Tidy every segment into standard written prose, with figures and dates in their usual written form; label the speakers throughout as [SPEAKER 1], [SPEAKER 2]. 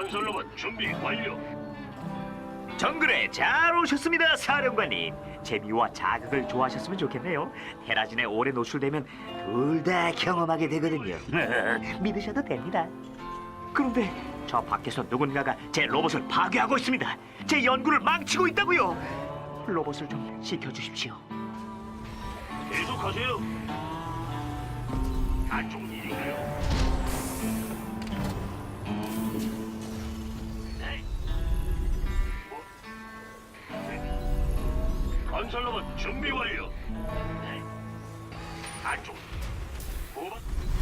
[SPEAKER 1] 건설로봇 준비 완료.
[SPEAKER 2] 정글에 잘 오셨습니다, 사령관님. 재미와 자극을 좋아하셨으면 좋겠네요. 테라진에 오래 노출되면 둘 다 경험하게 되거든요. 믿으셔도 됩니다. 그런데 저 밖에서 누군가가 제 로봇을 파괴하고 있습니다. 제 연구를 망치고 있다고요. 로봇을 좀 지켜주십시오.
[SPEAKER 1] 계속하세요. 안 좋은 일인가요? 네. 건설로봇 준비 완료. 네. 안쪽. 후방.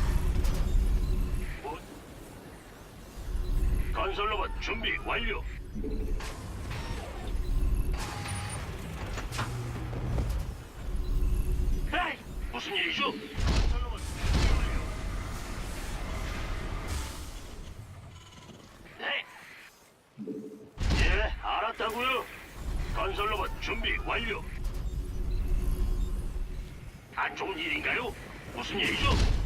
[SPEAKER 1] 건설로봇 준비 완료. 에이, 무슨 일이죠? 건설로봇 준비 완료. 네. 예, 알았다고요. 건설로봇 준비 완료. 안 좋은 일인가요? 무슨 일이죠?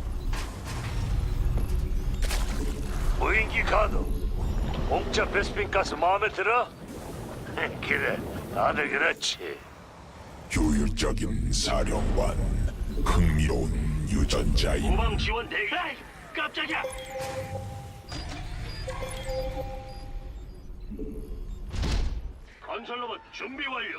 [SPEAKER 3] 무인기 가도 공짜 베스핀 가스 마음에 들어? 그래, 다들 그렇지.
[SPEAKER 4] 효율적인 사령관, 흥미로운 유전자인
[SPEAKER 1] 후방 지원 대기. 에이, 깜짝이야. 건설로봇 준비 완료.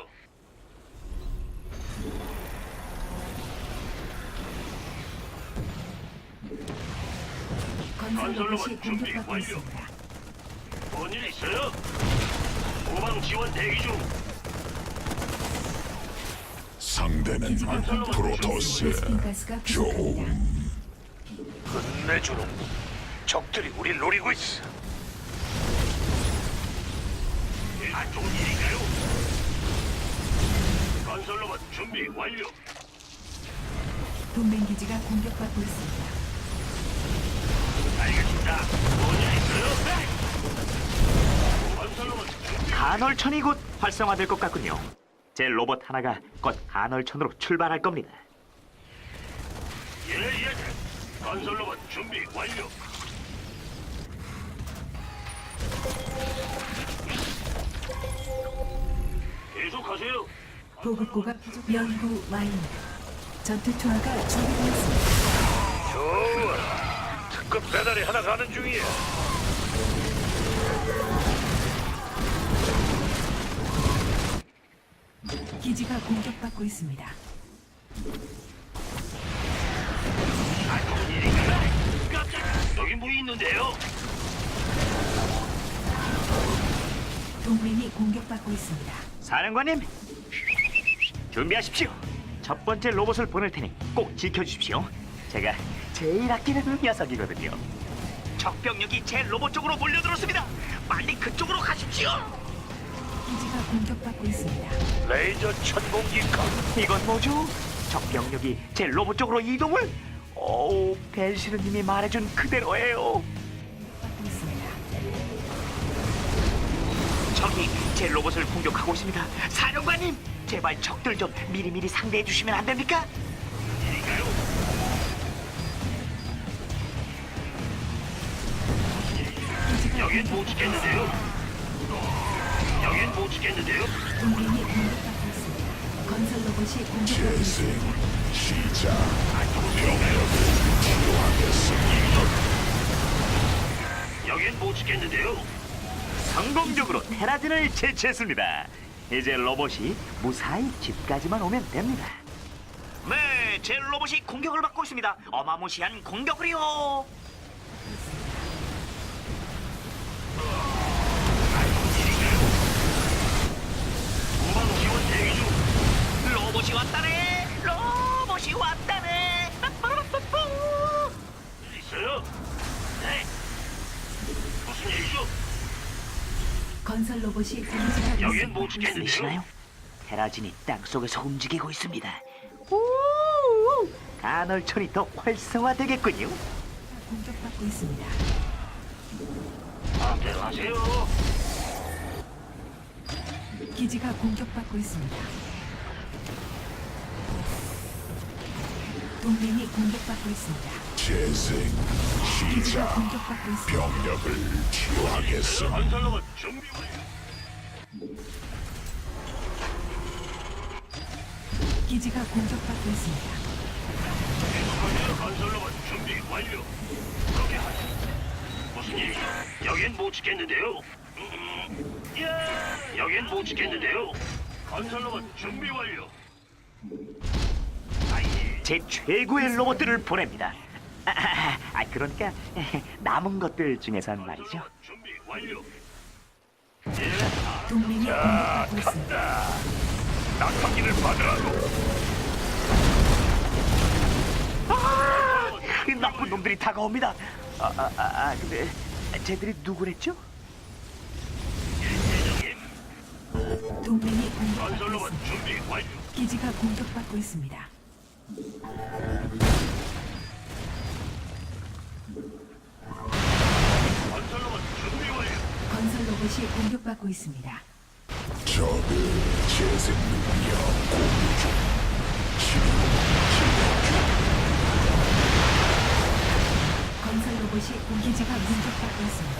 [SPEAKER 5] 건설로봇이 공격받고
[SPEAKER 1] 완료.
[SPEAKER 5] 있습니다.
[SPEAKER 1] 뭔일 있어요? 후방 지원 대기 중.
[SPEAKER 4] 상대는
[SPEAKER 5] 기지가 공격받고
[SPEAKER 4] 프로토스.
[SPEAKER 5] 베스핀 가스가 부족합니다.
[SPEAKER 4] 좋은
[SPEAKER 3] 끝내주는 적들이 우릴 노리고 있어.
[SPEAKER 1] 안 좋은 일인가요? 건설로봇 준비 완료.
[SPEAKER 5] 동맹 기지가 공격받고 있습니다.
[SPEAKER 1] 알겠습니다. 뭔일 있어요? 네. 건설로봇 준비.
[SPEAKER 2] 간헐천이 곧 활성화될 것 같군요. 제 로봇 하나가 곧 간헐천으로 출발할 겁니다.
[SPEAKER 1] 예. 건설로봇 준비 완료. 계속하세요.
[SPEAKER 5] 보급고가 부족. 연구 와인. 전투 투하가 준비되었습니다.
[SPEAKER 3] 좋아. 특급 배달이 하나 가는 중이야.
[SPEAKER 5] 기지가 공격받고 있습니다.
[SPEAKER 1] 안 좋은 일인가요? 깜짝이야. 여기 뭐 있는데요?
[SPEAKER 5] 동맹이 공격받고 있습니다.
[SPEAKER 2] 사령관님, 준비하십시오. 첫 번째 로봇을 보낼 테니 꼭 지켜주십시오. 제가 제일 아끼는 녀석이거든요. 적병력이 제 로봇 쪽으로 몰려들었습니다. 빨리 그쪽으로 가십시오.
[SPEAKER 5] 기지가 공격받고 있습니다.
[SPEAKER 3] 레이저 천공기 가.
[SPEAKER 2] 이건 뭐죠? 적병력이 제 로봇 쪽으로 이동을? 오, 벨시르님이 말해준 그대로예요.
[SPEAKER 5] 받고 있습니다.
[SPEAKER 2] 적이 제 로봇을 공격하고 있습니다. 사령관님, 제발 적들 좀 미리미리 상대해 주시면 안 됩니까?
[SPEAKER 1] 일인가요?
[SPEAKER 5] 기지가
[SPEAKER 1] 여긴 못
[SPEAKER 5] 공격받고
[SPEAKER 1] 지켰는데요.
[SPEAKER 5] 있습니다.
[SPEAKER 1] 여긴 못 지켰는데요.
[SPEAKER 5] 동맹이 공격받고 있습니다. 건설 로봇이 공격받고
[SPEAKER 4] 재생
[SPEAKER 5] 있습니다.
[SPEAKER 4] 시작.
[SPEAKER 1] 안 좋은 일인가요?
[SPEAKER 4] 치료하겠습니다.
[SPEAKER 1] 여긴 못 지켰는데요.
[SPEAKER 2] 성공적으로 테라진을 제치했습니다. 이제 로봇이 무사히 집까지만 오면 됩니다. 네, 제 로봇이 공격을 받고 있습니다. 어마무시한 공격을요.
[SPEAKER 1] 후방 지원 대기 중.
[SPEAKER 2] 로봇이 왔다네. 로봇이 왔다네. 빠빠라빠빠.
[SPEAKER 1] 일 있어요? 네. 무슨 일이죠?
[SPEAKER 5] 건설 로봇이 기지가
[SPEAKER 1] 여긴 못
[SPEAKER 5] 공격받고
[SPEAKER 1] 지켰는데요.
[SPEAKER 2] 들리시나요? 테라진이 땅 속에서 움직이고 있습니다. 오, 간헐천이 더 활성화되겠군요.
[SPEAKER 5] 공격받고 있습니다.
[SPEAKER 1] 마음대로 하세요.
[SPEAKER 5] 기지가 공격받고 있습니다. 동맹이 공격받고 있습니다.
[SPEAKER 4] 재생
[SPEAKER 5] 기지가
[SPEAKER 4] 시작.
[SPEAKER 5] 공격받고 있습니다.
[SPEAKER 4] 병력을 치유하겠음.
[SPEAKER 1] 건설로봇 준비 완료.
[SPEAKER 5] 기지가 공격받고 있습니다.
[SPEAKER 1] 건설로봇 준비 완료. 그렇게 하죠. 무슨 일이죠? 여긴 못 지켰는데요. 여긴 못 지켰는데요. 건설로봇 준비 완료.
[SPEAKER 2] 제 최고의 로봇들을 보냅니다. 그러니까 남은 것들 중에선 말이죠.
[SPEAKER 1] 준비 완료.
[SPEAKER 5] 동맹이 공격받고 있습니다.
[SPEAKER 3] 낙하기를 받으라고.
[SPEAKER 2] 이 나쁜 놈들이 다가옵니다. 근데 쟤들이 누구랬죠?
[SPEAKER 5] 동맹이 공격받고
[SPEAKER 1] 건설로봇
[SPEAKER 5] 있습니다.
[SPEAKER 1] 준비 완료.
[SPEAKER 5] 기지가 공격받고 있습니다.
[SPEAKER 1] 건설로봇 준비 완료.
[SPEAKER 5] 건설 로봇이 공격받고 있습니다.
[SPEAKER 4] 적의 재생 능력 공유 중. 치료
[SPEAKER 5] 건설 로봇이 기지가 공격받고 있습니다.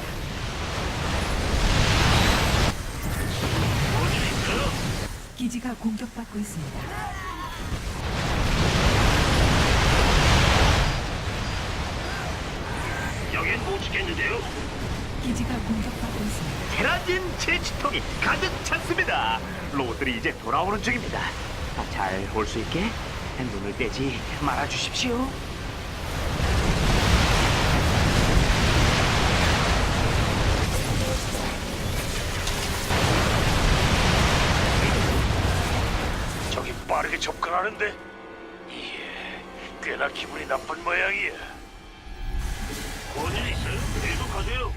[SPEAKER 1] 뭔일 있어요?
[SPEAKER 5] 기지가 공격받고 있습니다.
[SPEAKER 1] 여긴 못 지켰는데요.
[SPEAKER 5] 기지가 공격받고 있습니다.
[SPEAKER 2] 테라진 제치통이 가득 찼습니다. 로봇들이 이제 돌아오는 중입니다. 잘 올 수 있게 눈을 떼지 말아 주십시오.
[SPEAKER 3] 저기 빠르게 접근하는데. 예, 꽤나 기분이 나쁜 모양이야.
[SPEAKER 1] 뭔일 있어요? 계속하세요.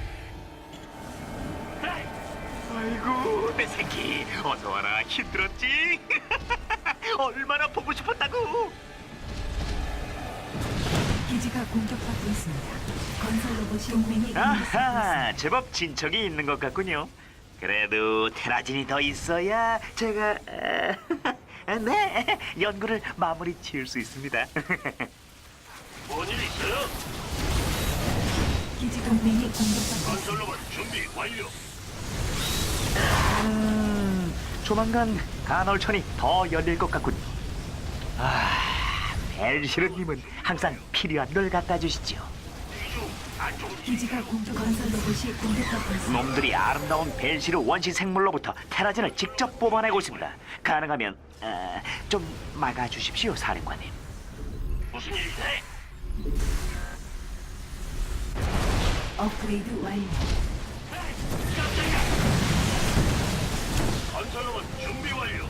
[SPEAKER 2] 아이고 내 새끼 어서 와라. 힘들었지? 얼마나 보고 싶었다고.
[SPEAKER 5] 기지가 공격받고 있습니다. 건설 로봇이 동맹이 공격받고 있습니다.
[SPEAKER 2] 아하, 제법 진척이 있는 것 같군요. 그래도 테라진이 더 있어야 제가 네 연구를 마무리 지을 수 있습니다.
[SPEAKER 1] 뭔일 있어요?
[SPEAKER 5] 기지 동맹이 공격받고 있습니다.
[SPEAKER 1] 건설로봇 준비 완료.
[SPEAKER 2] 조만간 간헐천이 더 열릴 것 같군요. 벨시르님은 항상 필요한 걸 갖다 주시죠.
[SPEAKER 1] 이중 안쪽
[SPEAKER 5] 기지가 건설 로봇이 공격받고 있습니다.
[SPEAKER 2] 놈들이 아름다운 벨시르 원시 생물로부터 테라진을 직접 뽑아내고 있습니다. 가능하면 좀 막아주십시오, 사령관님.
[SPEAKER 1] 무슨 일이죠?
[SPEAKER 5] 업그레이드 완료.
[SPEAKER 1] 건설로봇 준비 완료.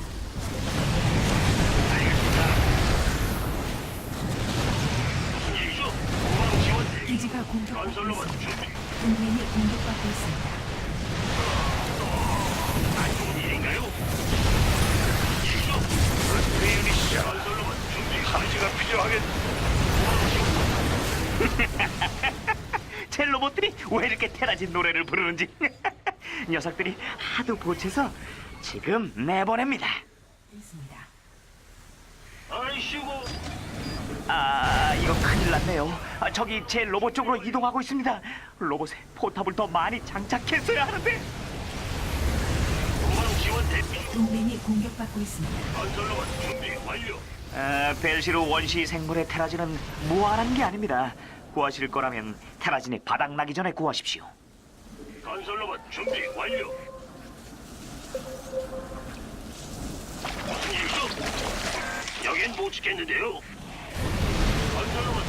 [SPEAKER 1] 무슨 일이죠? 후방 지원 대기.
[SPEAKER 5] 기지가 공격받고
[SPEAKER 1] 건설로봇
[SPEAKER 5] 있습니다.
[SPEAKER 1] 준비.
[SPEAKER 5] 동맹이 공격받고 있습니다.
[SPEAKER 1] 안 좋은 일인가요? 일이죠?
[SPEAKER 3] 그렇게 유닛이야.
[SPEAKER 1] 건설로봇 준비
[SPEAKER 3] 감지가 필요하겠.
[SPEAKER 2] 제 로봇들이 왜 이렇게 테라진 노래를 부르는지 녀석들이 하도 보채서 지금 내보냅니다.
[SPEAKER 5] 있습니다.
[SPEAKER 1] 아이씨고.
[SPEAKER 2] 이거 큰일 났네요. 저기 제 로봇 쪽으로 이동하고 있습니다. 로봇에 포탑을 더 많이 장착했어야 하는데.
[SPEAKER 1] 후방 지원 대기.
[SPEAKER 5] 동맹이 공격받고 있습니다.
[SPEAKER 1] 건설로봇 준비 완료.
[SPEAKER 2] 벨시르 원시 생물의 테라진은 무한한 게 아닙니다. 구하실 거라면 테라진이 바닥나기 전에 구하십시오.
[SPEAKER 1] 건설로봇 준비 완료. 무슨 일이죠? 여긴 못 지켰는데요. 건설로봇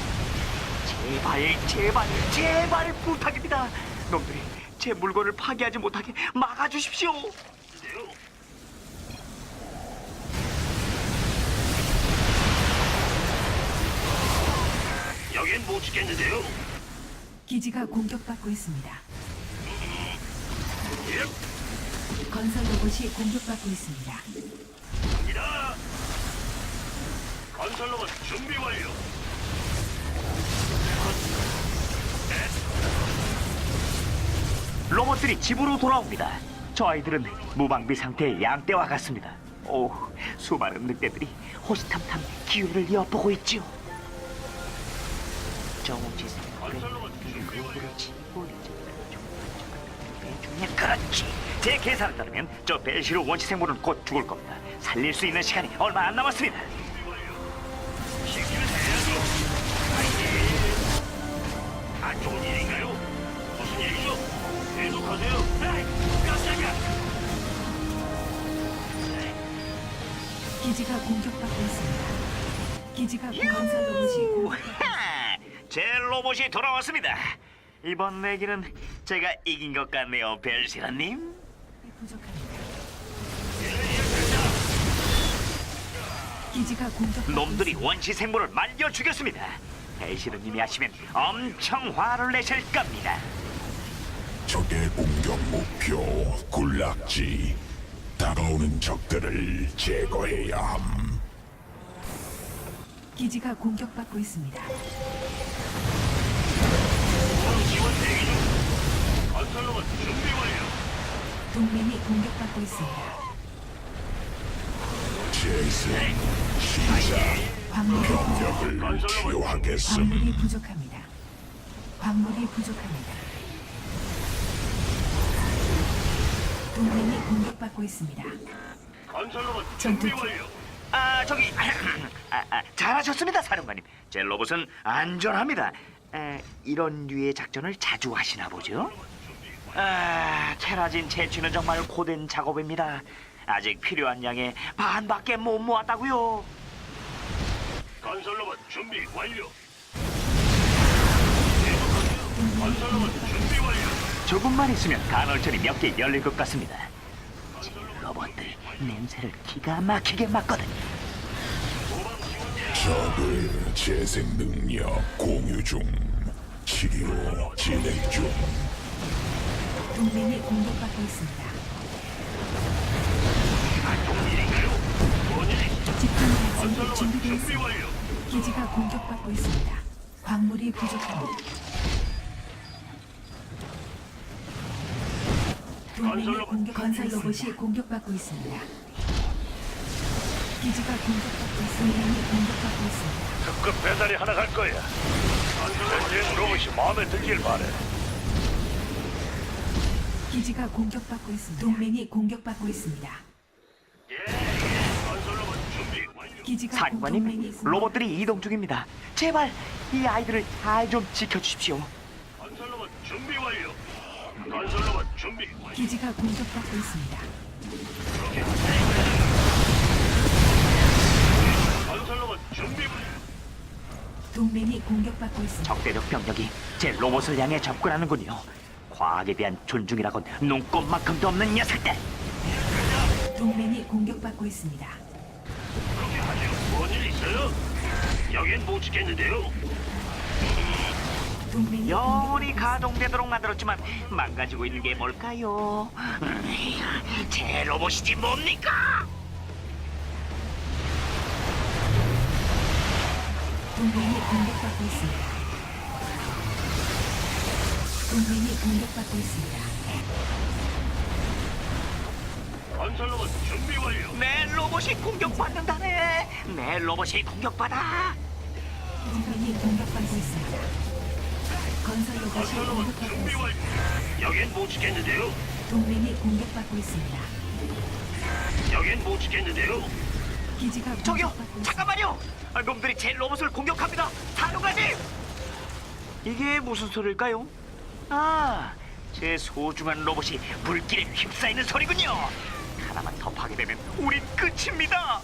[SPEAKER 2] 제발 부탁입니다. 놈들이 제 물건을 파괴하지 못하게 막아주십시오.
[SPEAKER 1] 준비인데요. 여긴 못 지켰는데요.
[SPEAKER 5] 기지가 공격받고 있습니다.
[SPEAKER 1] 예,
[SPEAKER 5] 건설 로봇이 공격받고 있습니다.
[SPEAKER 1] 갑니다. 건설로봇 준비 완료.
[SPEAKER 2] 로봇들이 집으로 돌아옵니다. 저 아이들은 무방비 상태의 양떼와 같습니다. 오, 수많은 늑대들이 호시탐탐 기회를 엿보고 있지요. 정지 생물에 그물을 치고 중에 그렇지. 제 계산을 따르면 저 벨시르 원시 생물은 곧 죽을 겁니다. 살릴 수 있는 시간이 얼마 안 남았습니다.
[SPEAKER 1] 시키면 해야죠. 안 좋은 일인가요? 무슨 일이죠? 계속하세요. 에이, 깜짝이야.
[SPEAKER 5] 기지가 공격받고 있습니다. 기지가 건설 로봇이 공격받고
[SPEAKER 2] 하! 제 로봇이 돌아왔습니다. 이번 내기는 제가 이긴 것 같네요, 벨시라님.
[SPEAKER 5] 부족합니다. 기지가 공격받고
[SPEAKER 2] 놈들이
[SPEAKER 5] 있습니다.
[SPEAKER 2] 원시 생물을 말려 죽였습니다. 벨시르님이 하시면 엄청 화를 내실 겁니다.
[SPEAKER 4] 적의 공격 목표 군락지. 다가오는 적들을 제거해야 함.
[SPEAKER 5] 기지가 공격받고 있습니다.
[SPEAKER 1] 지원 대기 중. 건설로봇 준비 완료.
[SPEAKER 5] 동맹이 공격받고 있습니다.
[SPEAKER 4] 재생 시작.
[SPEAKER 5] 광물이
[SPEAKER 4] 병력을 치유하겠음.
[SPEAKER 5] 광물이 부족합니다. 광물이 부족합니다. 동맹이 공격받고 있습니다.
[SPEAKER 1] 건설로봇
[SPEAKER 5] 전투
[SPEAKER 1] 준비 완료.
[SPEAKER 2] 저기 잘하셨습니다, 사령관님. 제 로봇은 안전합니다. 이런 류의 작전을 자주 하시나 보죠? 테라진 채취는 정말 고된 작업입니다. 아직 필요한 양의 반밖에 못 모았다고요.
[SPEAKER 1] 건설로봇 준비 완료. 계속하세요. 건설로봇 준비 완료.
[SPEAKER 2] 조금만 있으면 간헐천이 몇 개 열릴 것 같습니다. 제 로봇들 냄새를 기가 막히게 맡거든요.
[SPEAKER 4] 적을 재생 능력 공유 중. 치료 진행 중.
[SPEAKER 5] 동맹이 공격받고 있습니다.
[SPEAKER 1] 안 좋은 일인가요? 뭔 일이시죠?
[SPEAKER 5] 집중 발전이
[SPEAKER 1] 건설로봇 준비
[SPEAKER 5] 준비되었습니다.
[SPEAKER 1] 완료.
[SPEAKER 5] 기지가 공격받고 있습니다. 광물이 부족합니다. 동맹이 건설 로봇이 공격받고 있습니다. 기지가 공격받고 있습니다. 동맹이 공격받고 있습니다.
[SPEAKER 3] 특급 배달이 하나 갈 거야. 전쟁 로봇이 마음에 들길 바래.
[SPEAKER 5] 기지가 공격받고 있습니다. 동맹이 공격받고 있습니다.
[SPEAKER 1] 건설로봇 준비 완료.
[SPEAKER 5] 기지가 동맹이
[SPEAKER 2] 사령관님,
[SPEAKER 5] 있습니다.
[SPEAKER 2] 로봇들이 이동 중입니다. 제발 이 아이들을 잘 좀 지켜주십시오.
[SPEAKER 1] 건설로봇 준비 완료. 건설로봇 준비 완료.
[SPEAKER 5] 기지가 공격받고 있습니다.
[SPEAKER 1] 건설로봇 준비 완료.
[SPEAKER 5] 동맹이 공격받고 있습니다.
[SPEAKER 2] 적대적 병력이 제 로봇을 향해 접근하는군요. 과학에 대한 존중이라곤 눈꼽만큼도 없는 녀석들.
[SPEAKER 5] 동맹이 공격받고 있습니다.
[SPEAKER 1] 그렇게 하죠. 뭔일 있어요? 여긴 못 지켰는데요.
[SPEAKER 5] 동맹이
[SPEAKER 2] 영원히 가동되도록 만들었지만 망가지고 있는 게 뭘까요? 제 로봇이지 뭡니까?
[SPEAKER 5] 동맹이 공격받고 있습니다. 동맹이 공격받고 있습니다.
[SPEAKER 1] 건설로봇 준비 완료.
[SPEAKER 2] 내 로봇이 공격받는다네. 내 로봇이 공격받아.
[SPEAKER 5] 동맹이 공격받고 있습니다. 건설 로봇이
[SPEAKER 1] 건설로봇
[SPEAKER 5] 공격받고
[SPEAKER 1] 준비
[SPEAKER 5] 있습니다.
[SPEAKER 1] 완료. 여긴 못 지켰는데요.
[SPEAKER 5] 동맹이 공격받고 있습니다.
[SPEAKER 1] 여긴 못 지켰는데요.
[SPEAKER 5] 기지가
[SPEAKER 2] 저기요,
[SPEAKER 5] 공격받고 있습니다.
[SPEAKER 2] 잠깐만요. 놈들이 제 로봇을 공격합니다. 사령관님. 이게 무슨 소리일까요? 제 소중한 로봇이 불길에 휩싸이는 소리군요. 하나만 더 파괴되면 우린 끝입니다.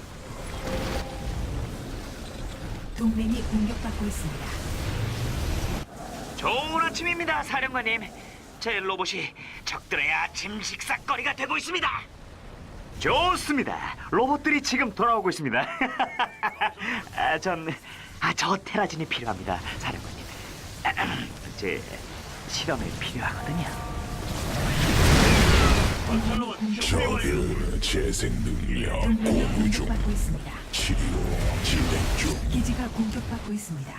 [SPEAKER 5] 동맹이 공격받고 있습니다.
[SPEAKER 2] 좋은 아침입니다, 사령관님. 제 로봇이 적들의 아침 식사거리가 되고 있습니다. 좋습니다. 로봇들이 지금 돌아오고 있습니다. 저 테라진이 필요합니다, 사령관님. 제 실험에 필요하거든요.
[SPEAKER 1] 건설로봇 준비 완료.
[SPEAKER 4] 적을 재생 능력
[SPEAKER 5] 동맹이
[SPEAKER 4] 공유 중.
[SPEAKER 5] 공격받고 있습니다.
[SPEAKER 4] 치료 진행 중.
[SPEAKER 5] 기지가 공격받고 있습니다.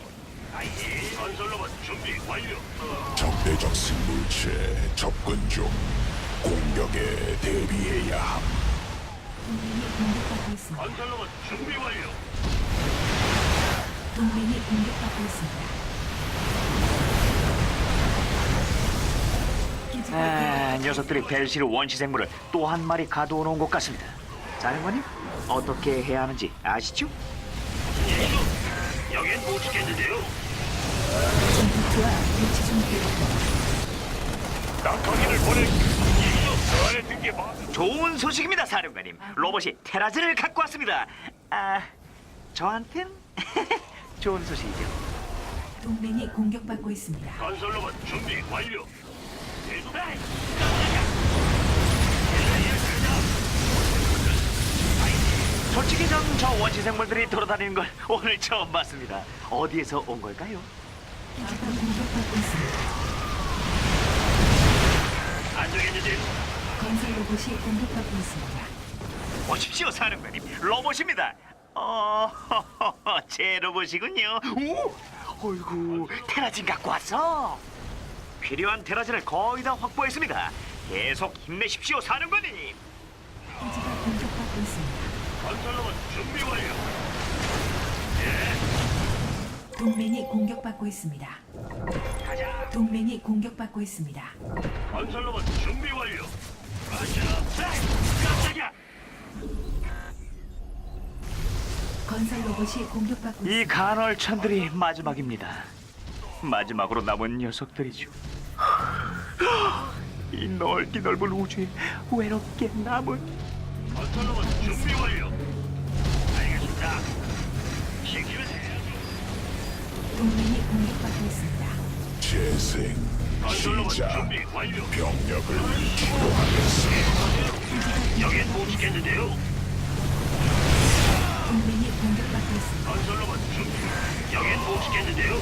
[SPEAKER 1] 건설로봇 준비 완료.
[SPEAKER 4] 적대적 생물체 접근 중. 공격에 대비해야 함.
[SPEAKER 5] 동맹이 공격받고 있습니다.
[SPEAKER 1] 건설로봇 준비 완료.
[SPEAKER 5] 동맹이 공격받고 있습니다. 기지가
[SPEAKER 2] 녀석들이 벨시르 원시 생물을 또 한 마리 가두어 놓은 것 같습니다. 사령관님, 어떻게 해야 하는지 아시죠?
[SPEAKER 1] 일이죠? 여긴 못 지켰는데요.
[SPEAKER 5] 전투투와 위치 중입니다.
[SPEAKER 3] 낙하기를 보낼게. 그 안에 든게 많아.
[SPEAKER 2] 좋은 소식입니다, 사령관님. 로봇이 테라즈를 갖고 왔습니다. 저한텐 좋은 소식이죠.
[SPEAKER 5] 동맹이 공격받고 있습니다.
[SPEAKER 1] 건설로봇 준비 완료. 에이,
[SPEAKER 2] 솔직히 전 저 원시 생물들이 돌아다니는 걸 오늘 처음 봤습니다. 어디에서 온 걸까요?
[SPEAKER 5] 기지가 공격받고 있습니다.
[SPEAKER 1] 안 되겠는데.
[SPEAKER 5] 건설 로봇이 공격받고 있습니다.
[SPEAKER 2] 보십시오, 사령관님. 로봇입니다. 제 로봇이군요. 오, 어이구, 테라진 갖고 왔어. 필요한 테라진을 거의 다 확보했습니다. 계속 힘내십시오, 사령관님.
[SPEAKER 5] 기지가 공격받고 있습니다.
[SPEAKER 1] 건설로봇 준비 완료.
[SPEAKER 5] 동맹이 공격받고 있습니다. 동맹이 공격받고 있습니다.
[SPEAKER 1] 건설로봇 준비 완료. 가자. 에이, 깜짝이야.
[SPEAKER 5] 건설 로봇이 공격받고 있습니다.
[SPEAKER 2] 이 간헐천들이 마지막입니다. 마지막으로 남은 녀석들이죠. 이 넓기 넓은 우주에 외롭게 남은
[SPEAKER 1] 건설로봇 준비 완료. 알겠습니다. 시키면 해야죠.
[SPEAKER 5] 동맹이 공격받고 있습니다.
[SPEAKER 4] 재생
[SPEAKER 1] 건설로봇
[SPEAKER 4] 시작.
[SPEAKER 1] 준비 완료.
[SPEAKER 4] 병력을 기동하겠어.
[SPEAKER 1] 여긴 못 지켰는데요.
[SPEAKER 5] 동맹이 공격받고 있습니다.
[SPEAKER 1] 건설로봇 준비. 여긴 못 지켰는데요.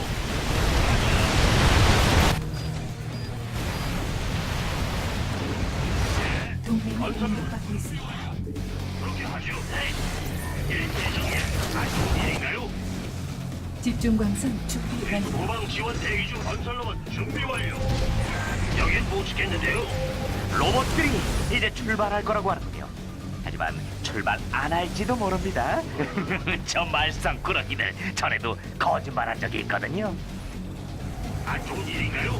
[SPEAKER 5] 동맹이 공격받고 있습니다.
[SPEAKER 1] 그렇게 하죠. 일대정이야. 아주 일인가요?
[SPEAKER 5] 집중 광선 준비 완료.
[SPEAKER 1] 후방 지원 대기 중. 건설로봇 준비 완료. 여긴 못 지켰는데요.
[SPEAKER 2] 로봇들이 이제 출발할 거라고 하는군요. 하지만 출발 안 할지도 모릅니다. 저 말썽꾸러기들 전에도 거짓말한 적이 있거든요.
[SPEAKER 1] 안 좋은 일인가요?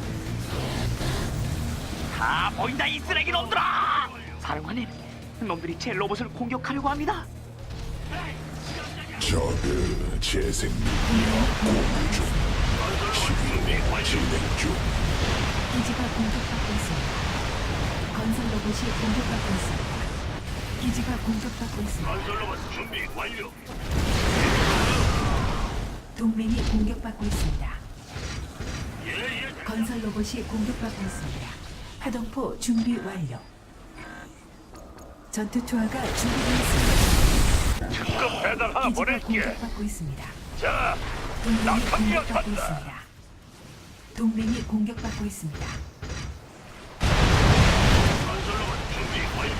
[SPEAKER 2] 다 보인다, 이 쓰레기 놈들아! 사령관님, 놈들이 제 로봇을 공격하려고 합니다.
[SPEAKER 4] 저그 재생 능력 공유 중. 진행 중.
[SPEAKER 5] 기지가 공격받고 있습니다. 건설 로봇이 공격받고 있습니다. 기지가 공격받고 있습니다.
[SPEAKER 1] 건설로봇 준비 완료.
[SPEAKER 5] 동맹이 공격받고 있습니다.
[SPEAKER 1] 예예.
[SPEAKER 5] 건설 로봇이 공격받고 있습니다. 파동포 준비 완료. 전투 투하가 준비되었습니다.
[SPEAKER 3] 특급 배달 하나
[SPEAKER 5] 기지가
[SPEAKER 3] 보낼게.
[SPEAKER 5] 공격받고 있습니다.
[SPEAKER 3] 자,
[SPEAKER 5] 동맹이
[SPEAKER 3] 낙하기가
[SPEAKER 5] 공격받고
[SPEAKER 3] 간다.
[SPEAKER 5] 있습니다. 동맹이 공격받고 있습니다.
[SPEAKER 1] 건설로봇 준비 완료.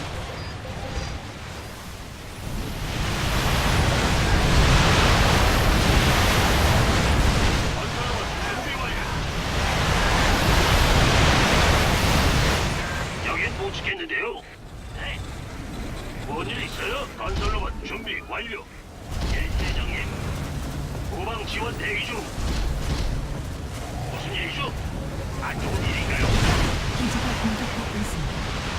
[SPEAKER 1] 건설로봇 준비 완료. 여긴 못 지켰는데요. 네. 뭔일 있어요? 건설로봇 준비 완료. 일대정님. 후방 지원 대기 중. 무슨 일이죠? 안 좋은 일인가요?
[SPEAKER 5] 기지가 공격받고 있습니다.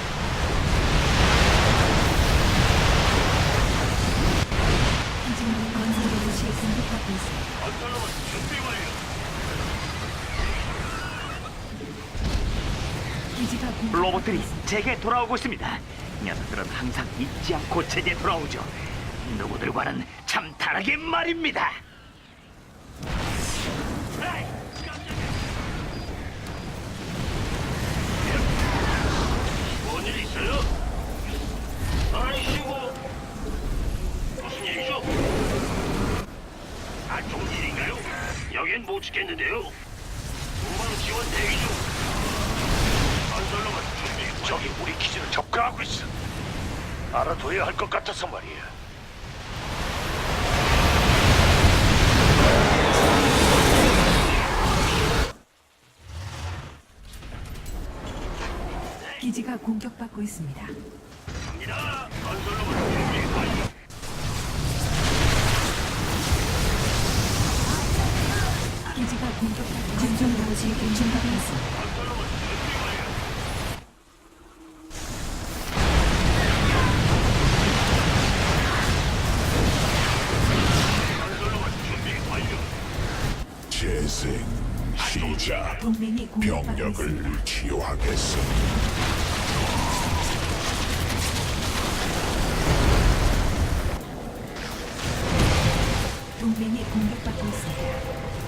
[SPEAKER 5] 기지는 건설 로봇이 공격받고 있습니다.
[SPEAKER 1] 건설로봇 준비 완료.
[SPEAKER 5] 기지가 공격받고
[SPEAKER 2] 로봇들이
[SPEAKER 5] 있습니다.
[SPEAKER 2] 제게 돌아오고 있습니다. 녀석들은 항상 잊지 않고 제게 돌아오죠. 누구들과는 참 다르게 말입니다.
[SPEAKER 1] 에이, 깜짝이야. 뭔일 있어요? 아이씨고. 무슨 일이죠? 안 좋은 일인가요? 여긴 못 지켰는데요. 후방 지원 대기 중. 건설로봇 준비 완료.
[SPEAKER 3] 저기 우리 기지를 접근하고 있어. 알아둬야 할 것 같아서 말이야.
[SPEAKER 5] 기지가 공격받고 있습니다.
[SPEAKER 1] 갑니다. 건설로봇 준비 완료.
[SPEAKER 5] 공격받고 건설 로봇이 공격받고 있습니다.
[SPEAKER 1] 건설로봇 준비 완료. 건설로봇 준비 완료.
[SPEAKER 4] 재생 시작.
[SPEAKER 5] 동맹이 공격받고 있습니다.
[SPEAKER 4] 병력을 치유하겠어.
[SPEAKER 5] 동맹이 공격받고 있습니다.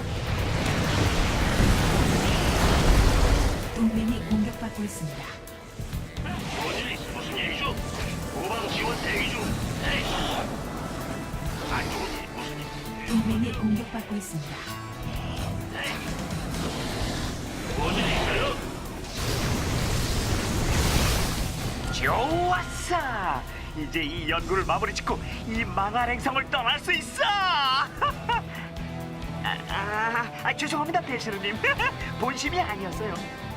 [SPEAKER 5] 동맹이 공격받고 있습니다.
[SPEAKER 1] 무슨 일이죠? 후방 지원 대기 중. 에이. 안 좋은 일 무슨 일?
[SPEAKER 5] 동맹이 공격받고 있습니다.
[SPEAKER 1] 무슨 일 있어요?
[SPEAKER 2] 좋았어. 이제 이 연구를 마무리 짓고 이 망할 행성을 떠날 수 있어. 죄송합니다, 배시르님. 본심이 아니었어요.